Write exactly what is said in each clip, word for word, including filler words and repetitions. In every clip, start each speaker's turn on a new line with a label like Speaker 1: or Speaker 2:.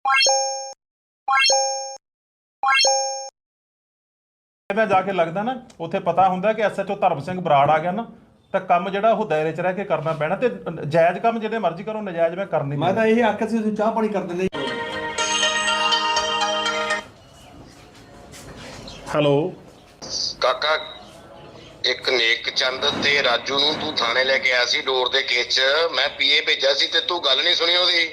Speaker 1: मैं जाके लगदा ना उत्थे पता हुंदा कि एस एच ओ धर्म सिंह बराड़ आ गया ना तो काम जिहड़ा ओह दायरे च रह के करना पैना ते जायज़ काम जिहड़े मर्जी करो नजायज़ मैं कर नहीं
Speaker 2: मैं तो यही आखिया सी तुसीं चाह पानी कर दिंदे।
Speaker 1: हेलो
Speaker 3: ਕਾਕਾ ਇੱਕ ਨੇਕ ਚੰਦ ਤੇ ਰਾਜੂ ਨੂੰ ਤੂੰ ਥਾਣੇ ਲੈ ਕੇ ਆਇਆ ਸੀ ਡੋਰ ਦੇ ਕੇਸ 'ਚ। ਮੈਂ ਪੀਏ ਭੇਜਿਆ ਸੀ ਤੇ ਤੂੰ ਗੱਲ ਨਹੀਂ ਸੁਣੀ ਉਹਦੀ।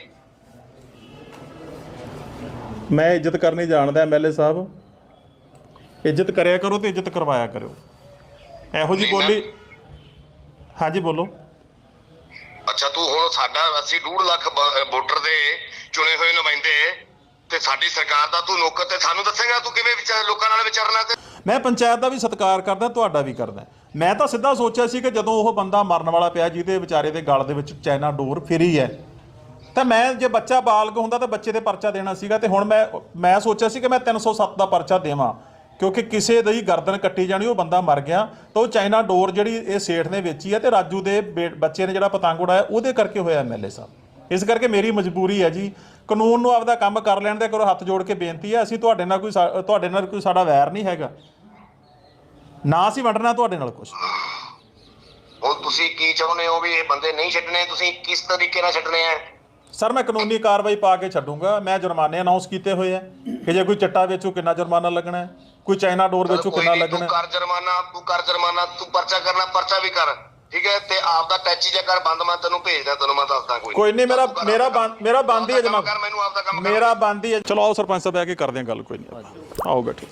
Speaker 1: मैं इज्जत करनी जानदा एम एल ए साहब, इज्जत करिया करो तो इज्जत करवाया करो। ਇਹੋ जी बोली हाँ जी बोलो।
Speaker 3: ਅੱਛਾ ਤੂੰ ਹੁਣ ਸਾਡਾ ਅਸੀਂ ਡੂਢ ਲੱਖ ਵੋਟਰ ਦੇ ਚੁਣੇ ਹੋਏ ਨੁਮਾਇੰਦੇ ਤੇ ਸਾਡੀ ਸਰਕਾਰ ਦਾ ਤੂੰ ਨੌਕਰ ਤੇ ਸਾਨੂੰ ਦੱਸੇਗਾ ਤੂੰ ਕਿਵੇਂ ਵਿਚਾਰ ਲੋਕਾਂ ਨਾਲ ਵਿਚਰਨਾ। ਤੇ
Speaker 1: ਮੈਂ ਪੰਚਾਇਤ ਦਾ ਵੀ ਸਤਿਕਾਰ ਕਰਦਾ, ਤੁਹਾਡਾ ਵੀ ਕਰਦਾ। ਮੈਂ ਤਾਂ ਸਿੱਧਾ ਸੋਚਿਆ ਸੀ ਕਿ ਜਦੋਂ ਉਹ ਬੰਦਾ ਮਰਨ ਵਾਲਾ ਪਿਆ ਜਿਹਦੇ ਵਿਚਾਰੇ ਦੇ ਗਲ ਦੇ ਵਿੱਚ ਚਾਈਨਾ ਡੋਰ ਫਿਰੀ ਹੈ ਤਾਂ ਮੈਂ ਜੇ ਬੱਚਾ ਬਾਲਗ ਹੁੰਦਾ ਤਾਂ ਬੱਚੇ ਦੇ ਪਰਚਾ ਦੇਣਾ ਸੀਗਾ। ਤੇ ਹੁਣ ਮੈਂ ਮੈਂ ਸੋਚਿਆ ਸੀ ਕਿ ਮੈਂ ਤਿੰਨ ਸੌ ਸੱਤ ਦਾ ਪਰਚਾ ਦੇਵਾਂ ਕਿਉਂਕਿ ਕਿਸੇ ਦੀ ਗਰਦਨ ਕੱਟੀ ਜਾਣੀ, ਉਹ ਬੰਦਾ ਮਰ ਗਿਆ ਤਾਂ ਉਹ ਚਾਈਨਾ ਡੋਰ ਜਿਹੜੀ ਇਹ ਸੇਠ ਨੇ ਵੇਚੀ ਹੈ ਤੇ ਰਾਜੂ ਦੇ ਬੱਚੇ ਨੇ ਜਿਹੜਾ ਪਤੰਗ ਉਡਾਇਆ ਉਹਦੇ ਕਰਕੇ ਹੋਇਆ ਐਮ ਐਲ ਏ ਸਾਹਿਬ। ਇਸ ਕਰਕੇ ਮੇਰੀ ਮਜਬੂਰੀ ਹੈ ਜੀ, ਕਾਨੂੰਨ ਨੂੰ ਆਪਦਾ ਕੰਮ ਕਰ ਲੈਣ ਦੇ ਕਰੋ। ਹੱਥ ਜੋੜ ਕੇ ਬੇਨਤੀ ਹੈ, ਅਸੀਂ ਤੁਹਾਡੇ ਨਾਲ ਕੋਈ ਤੁਹਾਡੇ ਨਾਲ ਕੋਈ ਸਾਡਾ ਵੈਰ ਨਹੀਂ ਹੈਗਾ, ਨਾ ਅਸੀਂ ਵੰਡਣਾ ਤੁਹਾਡੇ ਨਾਲ ਕੁਛ।
Speaker 3: ਹੁਣ ਤੁਸੀਂ ਕੀ ਚਾਹੁੰਦੇ ਹੋ ਵੀ ਇਹ ਬੰਦੇ ਨਹੀਂ ਛੱਡਣੇ, ਤੁਸੀਂ ਕਿਸ ਤਰੀਕੇ ਨਾਲ ਛੱਡਣੇ ਆ?
Speaker 1: ਸਰ ਮੈਂ ਕਾਨੂੰਨੀ ਕਾਰਵਾਈ ਪਾ ਕੇ ਛੱਡੂੰਗਾ। ਮੈਂ ਜੁਰਮਾਨੇ ਅਨਾਉਂਸ ਕੀਤੇ ਹੋਏ ਆ ਕਿ ਜੇ ਕੋਈ ਚੱਟਾ ਵੇਚੂ ਕਿੰਨਾ ਜੁਰਮਾਨਾ ਲੱਗਣਾ ਹੈ, ਕੋਈ ਚਾਈਨਾ ਡੋਰ ਵੇਚੂ ਕਿੰਨਾ ਲੱਗਣਾ।
Speaker 3: ਤੂੰ ਕਰ ਜੁਰਮਾਨਾ, ਤੂੰ ਕਰ ਜੁਰਮਾਨਾ, ਤੂੰ ਪਰਚਾ ਕਰਨਾ ਪਰਚਾ ਵੀ ਕਰ, ਠੀਕ ਹੈ। ਤੇ ਆਪ ਦਾ ਟੈਚੀ ਜਿਹਾ ਕਰ ਬੰਦ, ਮੈਂ ਤੈਨੂੰ ਭੇਜਦਾ, ਤੈਨੂੰ ਮੈਂ ਦੱਸਦਾ। ਕੋਈ
Speaker 1: ਕੋਈ ਨਹੀਂ, ਮੇਰਾ ਮੇਰਾ ਮੇਰਾ ਬੰਦ ਹੀ ਹੈ ਜਨਾਬ,
Speaker 3: ਮੈਨੂੰ ਆਪਦਾ ਕੰਮ
Speaker 1: ਮੇਰਾ ਬੰਦ ਹੀ ਹੈ। ਚਲੋ ਆਓ ਸਰਪੰਚ ਸਾਹਿਬ ਬਹਿ ਕੇ ਕਰਦੇ ਹਾਂ ਗੱਲ, ਕੋਈ ਨਹੀਂ ਆਓ ਬੈਠੋ।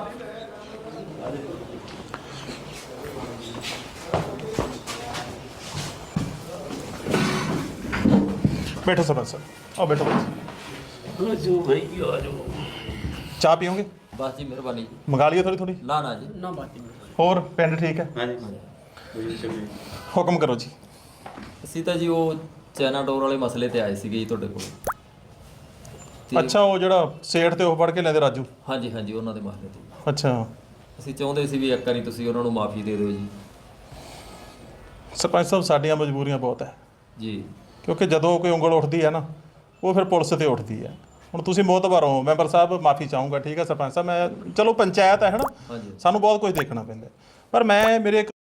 Speaker 1: बैठो सरपंच साहब, आओ बैठो।
Speaker 4: राजू भाई आ जाओ।
Speaker 1: चाह पियोगे?
Speaker 4: बस जी मेहरबानी जी।
Speaker 1: मंगा लियो थोड़ी थोड़ी?
Speaker 4: ना ना जी ना बात नहीं।
Speaker 1: होर पिंड ठीक है?
Speaker 4: हाँ जी
Speaker 1: हुक्म करो जी।
Speaker 4: ਅਸੀਂ ਤਾਂ ਜੀ ਉਹ ਚਾਈਨਾ ਡੋਰ ਵਾਲੇ ਮਸਲੇ ਤੇ ਆਏ ਸੀਗੇ ਜੀ ਤੁਹਾਡੇ ਕੋਲ।
Speaker 1: ਅੱਛਾ, ਉਹ ਜਿਹੜਾ ਸੇਠ ਤੇ ਉਹ ਫੜ ਕੇ ਲੈਂਦੇ ਰਾਜੂ?
Speaker 4: ਹਾਂਜੀ ਹਾਂਜੀ ਉਹਨਾਂ ਦੇ ਮਸਲੇ ਤੇ।
Speaker 1: ਅੱਛਾ,
Speaker 4: ਅਸੀਂ ਚਾਹੁੰਦੇ ਸੀ ਵੀ ਇੱਕ ਵਾਰੀ ਤੁਸੀਂ ਉਹਨਾਂ ਨੂੰ ਮਾਫੀ ਦੇ ਦਿਓ ਜੀ।
Speaker 1: ਸਰਪੰਚ ਸਾਹਿਬ ਸਾਡੀਆਂ ਮਜਬੂਰੀਆਂ ਬਹੁਤ ਹੈ
Speaker 4: ਜੀ,
Speaker 1: ਕਿਉਂਕਿ ਜਦੋਂ ਕੋਈ ਉਂਗਲ ਉੱਠਦੀ ਹੈ ਨਾ ਉਹ ਫਿਰ ਪੁਲਿਸ ਤੇ ਉੱਠਦੀ ਹੈ। ਹੁਣ ਤੁਸੀਂ ਮੋਹਤਬਰ ਹੋ, ਮੈਂਬਰ ਸਾਹਿਬ ਮਾਫੀ ਚਾਹੂੰਗਾ, ਠੀਕ ਹੈ ਸਰਪੰਚ ਸਾਹਿਬ। ਮੈਂ ਚਲੋ ਪੰਚਾਇਤ ਹੈ ਨਾ,
Speaker 4: ਹਾਂਜੀ
Speaker 1: ਸਾਨੂੰ ਬਹੁਤ ਕੁਝ ਦੇਖਣਾ ਪੈਂਦਾ, ਪਰ ਮੈਂ ਮੇਰੇ